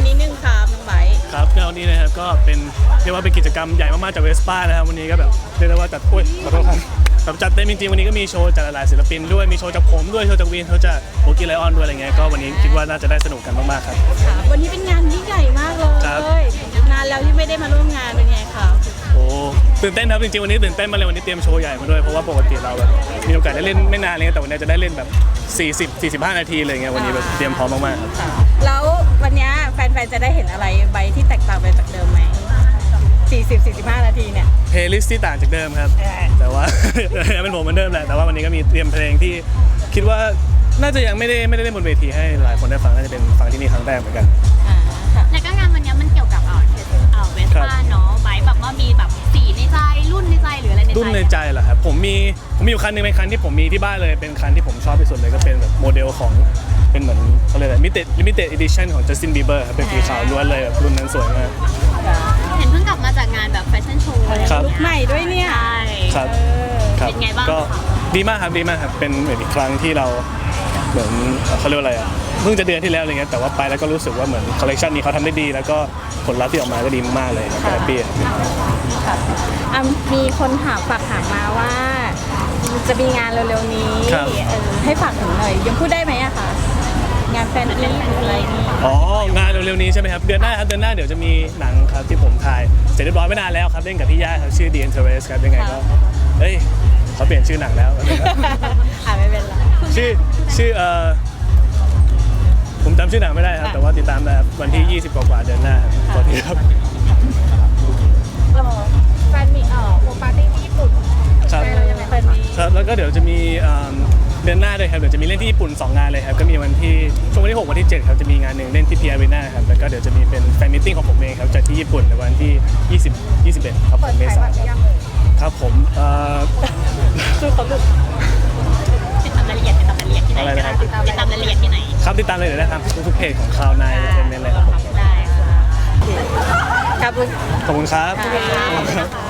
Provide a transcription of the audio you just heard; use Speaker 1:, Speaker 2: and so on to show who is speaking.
Speaker 1: นิดนึงครับน้องไบร์ท
Speaker 2: ครับงานวันนี้นะครับก็เป็นเรียกว่าเป็นกิจกรรมใหญ่มากๆจากเวสป้านะครับวันนี้ก็แบบเรียกได้ว่าจัดขอโทษครับแบบจัดเต็มจริงๆวันนี้ก็มีโชว์จากหลายๆศิลปินด้วยมีโชว์จากผมด้วยโชว์จากวินโชว์จากโบกี้ไลออนด้วยอะไรเงี้ยก็วันนี้คิดว่าน่าจะได้สนุกกันมากๆครับ
Speaker 1: วันนี้เป็นงานยิ่งใหญ่มากเลยนานแล้วที่ไม่ได้มาร่วมงานเป็นไงครับ
Speaker 2: โอ้ตื่นเต้นครับจริงๆวันนี้ตื่นเต้นมาเลยวันนี้เตรียมโชว์ใหญ่มาด้วยเพราะว่าปกติเราแบบมีโอกาสได้เล่นไม่นานเลยแต่วันนี้จะได้เล่นแบบ40-45 นาทีเลยเงี้ยวันนี้แบบเตรียมพร้อมมากๆครับ
Speaker 1: แล้ววันนี้แฟนๆจะได้เห็นอะไรใบที่แตกต่างไปจากเดิมไหม40-45 นาทีเนี่ย
Speaker 2: เพลย์ลิสต์ที่ต่างจากเดิมครับแต่ว่า ยังเป็นผมเหมือนเดิมแหละแต่ว่าวันนี้ก็มีเตรียมเพลงที่คิดว่าน่าจะยังไม่ได้เล่นบนเวทีให้หลายคนได้ฟังน่าจะเป็นฟังที่นี่ครั้งแรกเหมือนกัน
Speaker 3: แล้วก็งานวันนี้มันเกี่ยวกับเวสป้าเนาะไบแบบว่ามีแบบสีในใจรุ่นในใจหรืออะไรในใจ
Speaker 2: รุ่นในใจเหรอครับผมมีอยู่คันนึงเป็นคันที่ผมมีที่บ้านเลยเป็นคันที่ผมชอบที่สุดเลยก็เป็นแบบโมเดลของเป็นเหมือนเขาเรียกอะไรlimited edition ของ Justin Bieber ครับเป็นสีขาวล้วนเลยแบบรุ่นนั้นสวยมาก
Speaker 3: เห็นเพิ่งกลับมาจากงานแบบแฟชั่นโชว์
Speaker 1: ลุคใหม่ด้วยเนี่ย
Speaker 2: ครับ
Speaker 3: เป็นไงบ้าง
Speaker 2: ก็ดีมากครับเป็นเหมือนอีกครั้งที่เราเหมือนเขาเรียกว่าอะไรอ่ะเพิ่งจะเดือนที่แล้วอะไรเงี้ยแต่ว่าไปแล้วก็รู้สึกว่าเหมือนคอลเลคชันนี้เขาทำได้ดีแล้วก็ผลลัพธ์ที่ออกมาก็ดีมากเลยนะแฮปปี้
Speaker 1: มีคนฝากถามมาว่าจะมีงานเร็วๆนี้ให้ฝากถึงหน่อยยังพูดได้ไหมอะคะงานแฟนมีอะไรนี่
Speaker 2: งานเร็วๆนี้ใช่ไหมครับเดือนหน้าเดี๋ยวจะมีหนังครับที่ผมถ่ายเสร็จเรียบร้อยไม่นานแล้วครับเล่นกับพี่ย่าครับชื่อ The Interest ครับยังไงก็เขาเปลี่ยนชื่อหนังแล้ว
Speaker 1: ไม่เป็นไร
Speaker 2: ชื่อผมจำชื่อหนังไม่ได้ครับแต่ว่าติดตามได้วันที่20กว่าเดือนหน้าครับขอทีครับ
Speaker 1: แฟนมีโฮมปาร์ตี้ที่ญี่ปุ่น
Speaker 2: ครับแล้วก็เดี๋ยวจะมีเดือนหน้าด้วยครับเดี๋ยวจะมีเล่นที่ญี่ปุ่น2งานเลยครับก็มีวันที่ช่วงวันที่6วันที่7ครับจะมีงานหนึ่งเล่นที่พีอารีนาครับแล้วก็เดี๋ยวจะมีเป็นแฟนมิทติ้งของผมเองครับจัดที่ญี่ปุ่นในวันที่21ครับผมเมษายนครับผม
Speaker 1: คือเขา
Speaker 3: ติดตามรายละเอียดที่ไหน
Speaker 2: อะไรนะครับ
Speaker 3: ติดตามรายละเอียดที่ไหน
Speaker 2: ครับติดตามเลยเดี๋ยวได้ทางทุกเพจของข่าวนายเป็นเลยครับผม
Speaker 3: ได้ค่ะ
Speaker 1: ขอบคุณ
Speaker 2: ครับ